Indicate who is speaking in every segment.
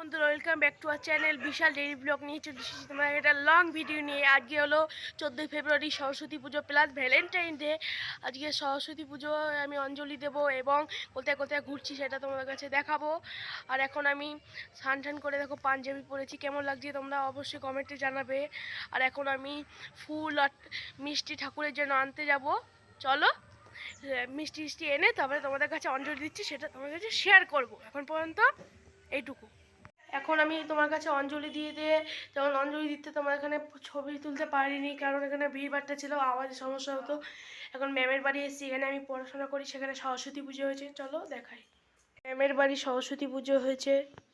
Speaker 1: বন্ধুরা, welcome back to our channel Vishal daily blog নিয়ে চলে এসেছি তোমার একটা লং ভিডিও নিয়ে। আজকে হলো 14ই ফেব্রুয়ারি, সরস্বতী পুজো প্লাস ভ্যালেন্টাইন ডে। আজকে সরস্বতী পুজো আমি অঞ্জলি দেব এবং কোথায় কোথায় ঘুরছি সেটা তোমাদের কাছে দেখাবো। আর এখন আমি স্নান করে দেখো পাঞ্জাবি পরেছি, কেমন লাগছে তোমরা অবশ্যই কমেন্টে জানাবে। আর এখন আমি ফুল আর মিষ্টি ঠাকুরের জন্য আনতে যাব। চলো মিষ্টি মিষ্টি এনে তারপরে তোমাদের কাছে অঞ্জলি দিচ্ছি, সেটা তোমাদের কাছে শেয়ার করব। এখন পর্যন্ত এইটুকু। এখন আমি তোমার কাছে অঞ্জলি দিয়ে যেমন অঞ্জলি দিতে তোমার এখানে ছবি তুলতে পারিনি, কারণ এখানে ভিড়ভাট্টা ছিল, আওয়াজের সমস্যা হতো। এখন ম্যামের বাড়ি এসেছি, এখানে আমি পড়াশোনা করি, সেখানে সরস্বতী পুজো হয়েছে। চলো দেখাই। ম্যামের বাড়ি সরস্বতী পুজো হয়েছে,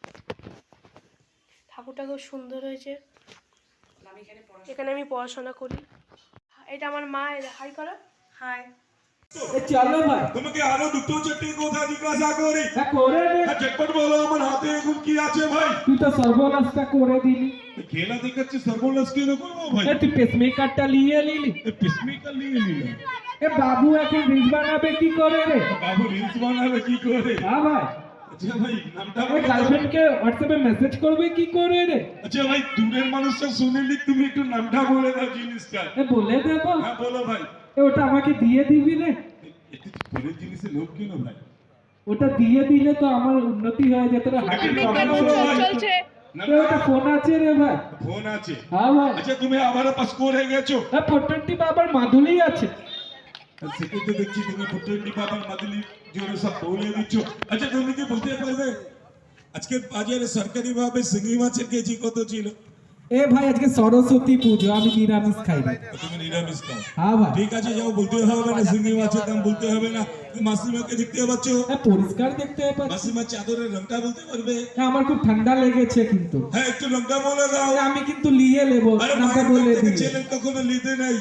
Speaker 1: ঠাকুরটা খুব সুন্দর হয়েছে। এখানে আমি পড়াশোনা করি। এটা আমার মা, হাই করো। হাই।
Speaker 2: চলো ভাই,
Speaker 3: তোমাকে আরো দুটো চারটি কথা জিজ্ঞাসা করি।
Speaker 2: হ্যাঁ করে নে।
Speaker 3: ঝটপট বলো, আমার হাতে এখন কি আছে ভাই?
Speaker 2: তুই তো সর্বনাশটা করে দিলি।
Speaker 3: খেলা দেখাচ্ছি, সর্বনাশ কেন করবো ভাই?
Speaker 2: তুই পেসমেকারটা নিয়ে নিলি।
Speaker 3: পিসমেকার নিয়ে নিলাম।
Speaker 2: বাবু এখন রিলস বানাবে কি করে রে?
Speaker 3: বাবু রিলস বানাবে কি করে?
Speaker 2: হ্যাঁ ভাই।
Speaker 3: আচ্ছা ভাই, নামটা
Speaker 2: গার্লফ্রেন্ডকে হোয়াটসঅ্যাপে মেসেজ করবে কি করে রে?
Speaker 3: আচ্ছা ভাই, দূরের মানুষটা শুনেলি, তুমি একটু নামটা বলে দাও জিনিসটা।
Speaker 2: বলে দেবো।
Speaker 3: হ্যাঁ বলো ভাই।
Speaker 2: ওটা আমাকে দিয়ে দিবি রে।
Speaker 3: একটু পরের জিনিসের লোভ কেন ভাই?
Speaker 2: ওটা দিয়ে দিলে তো আমার উন্নতি হয়ে যেত রে। হাতে
Speaker 1: চলছে।
Speaker 2: ওটা ফোন আছে রে ভাই।
Speaker 3: ফোন আছে?
Speaker 2: হ্যাঁ ভাই।
Speaker 3: আচ্ছা তুমি আবারও পাস করে গেছো?
Speaker 2: হ্যাঁ, ফোনটি বাবার মাধুলি আছে।
Speaker 3: সেটা তো দেখছি তুমি প্রত্যেকটি বাবার মাদুলি জোরে সব বলে দিচ্ছ। আচ্ছা তুমি কি বলতে পারবে আজকে বাজারে সরকারি ভাবে শিঙি মাছের কেজি কত ছিল?
Speaker 2: ভাই আজকে সরস্বতী পুজো, আমি নিরামিষ খাই ভাই।
Speaker 3: তুমি নিরামিষ খাও?
Speaker 2: হ্যাঁ ভাই।
Speaker 3: ঠিক আছে, যাও, বলতে হবে না শিঙি মাছের দাম বলতে হবে না। তুমি মাসিমাকে দেখতে পাচ্ছ?
Speaker 2: হ্যাঁ, পরিষ্কার দেখতে পাচ্ছি।
Speaker 3: মাসিমা চাদরের রংটা বলতে পারবে?
Speaker 2: হ্যাঁ, আমার খুব ঠান্ডা লেগেছে কিন্তু।
Speaker 3: হ্যাঁ, একটু রংটা বলে দাও।
Speaker 2: আমি কিন্তু নিয়ে নেবো।
Speaker 3: আরে
Speaker 2: নামটা
Speaker 3: বলে
Speaker 2: বলে দিই।
Speaker 3: ছেলে কখনো নিতে নাই।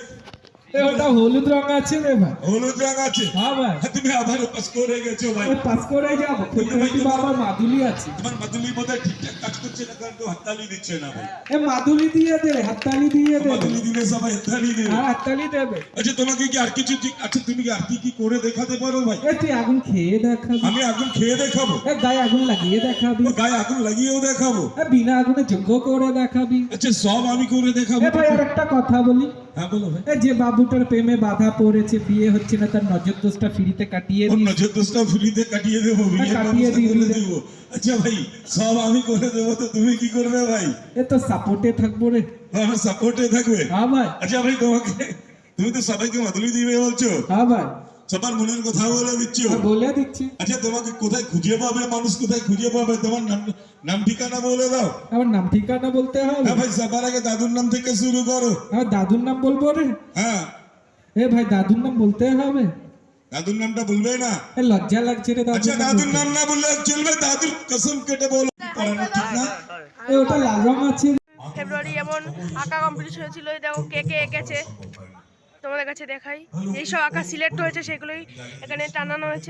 Speaker 2: ওটা হলুদ রং আছে রে ভাই।
Speaker 3: হলুদ রং আছে?
Speaker 2: হ্যাঁ ভাই।
Speaker 3: হ্যাঁ, তুমি আবার পাস করে গেছো ভাই।
Speaker 2: পাস করে যাবো। ফোনটি বাবার মাধুলি আছে।
Speaker 3: তোমার মাদুলি বোধহয় ঠিকঠাক কাজ করছে না, কারণ কেউ হাততালি দিচ্ছে না ভাই।
Speaker 2: মাধুলি দিয়ে দে, হাততালি দিয়ে দে।
Speaker 3: মাদুলি দিলে সবাই হাততালি দেবে।
Speaker 2: হ্যাঁ, হাততালি দেবে।
Speaker 3: আচ্ছা তোমাকে কি আর কিছু আচ্ছা তুমি কি আর কি করে দেখাতে পারো ভাই?
Speaker 2: তুই আগুন খেয়ে দেখাবি।
Speaker 3: আমি আগুন খেয়ে দেখাবো?
Speaker 2: গায়ে আগুন লাগিয়ে দেখাবি।
Speaker 3: গায়ে আগুন লাগিয়েও দেখাবো?
Speaker 2: বিনা আগুনে যজ্ঞ করে দেখাবি।
Speaker 3: আচ্ছা সব আমি করে দেখাবো।
Speaker 2: ভাই আর একটা কথা বলি।
Speaker 3: হ্যাঁ বলো ভাই।
Speaker 2: যে বাবুটার প্রেমে বাধা পড়েছে, বিয়ে হচ্ছে না, তার নজর দোষটা ফ্রিতে কাটিয়ে দিই।
Speaker 3: নজর দোষটা ফ্রিতে কাটিয়ে দেবো,
Speaker 2: কাটিয়ে
Speaker 3: দেবো। আচ্ছা ভাই, সব আমি করে দেবো, তো তুমি কি করবে ভাই?
Speaker 2: তো সাপোর্টে থাকবো রে।
Speaker 3: আমার সাপোর্টে থাকবে?
Speaker 2: হ্যাঁ ভাই।
Speaker 3: আচ্ছা ভাই, তুমি তো সবাইকে মাদুলি দিবে বলছো।
Speaker 2: হ্যাঁ ভাই।
Speaker 3: সবার মনের কথা বলে দিচ্ছ?
Speaker 2: বলে দিচ্ছি।
Speaker 3: আচ্ছা তোমাকে কোথায় খুঁজে পাবে মানুষ, কোথায় খুঁজে পাবে? তোমার নাম ঠিকানা বলে দাও।
Speaker 2: আমার নাম ঠিকানা বলতে হবে?
Speaker 3: হ্যাঁ ভাই, সবার আগে দাদুর নাম থেকে শুরু করো।
Speaker 2: দাদুর নাম বলবো রে?
Speaker 3: হ্যাঁ।
Speaker 2: ভাই দাদুর নাম বলতে হবে?
Speaker 3: দাদুর নামটা বলবে না?
Speaker 2: লজ্জা লাগছে রে।
Speaker 3: আচ্ছা দাদুর নাম না বললে চলবে, দাদুর কসম কেটে বলো। ঠিক না?
Speaker 2: ওটা লাল রং আছে।
Speaker 1: ফেব্রুয়ারি এমন আঁকা কম্পিটিশন হয়েছিল, দেখো কে কে এঁকেছে তোমাদের কাছে দেখাই। যেসব আঁকা সিলেক্ট হয়েছে সেগুলোই এখানে টানানো হয়েছে।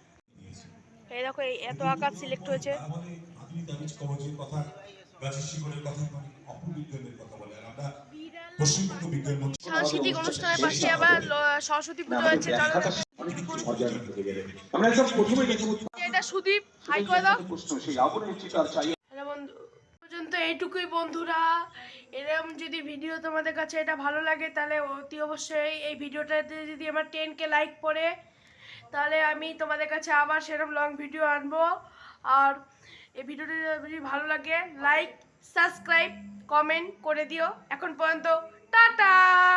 Speaker 1: এই দেখো, এই এত আঁকা সিলেক্ট হয়েছে। সাংস্কৃতিক অনুষ্ঠানের পাশে আবার সরস্বতী পুজো হয়েছে। এটা সুদীপ, হাই করে দাও। হ্যালো বন্ধু, পর্যন্ত এইটুকুই বন্ধুরা। এরকম যদি ভিডিও তোমাদের কাছে এটা ভালো লাগে, তাহলে অতি অবশ্যই এই ভিডিওটাতে যদি আমার 10K লাইক পড়ে, তাহলে আমি তোমাদের কাছে আবার সেরকম লং ভিডিও আনবো। আর এই ভিডিওটা যদি ভালো লাগে, লাইক, সাবস্ক্রাইব, কমেন্ট করে দিও। এখন পর্যন্ত টাটা।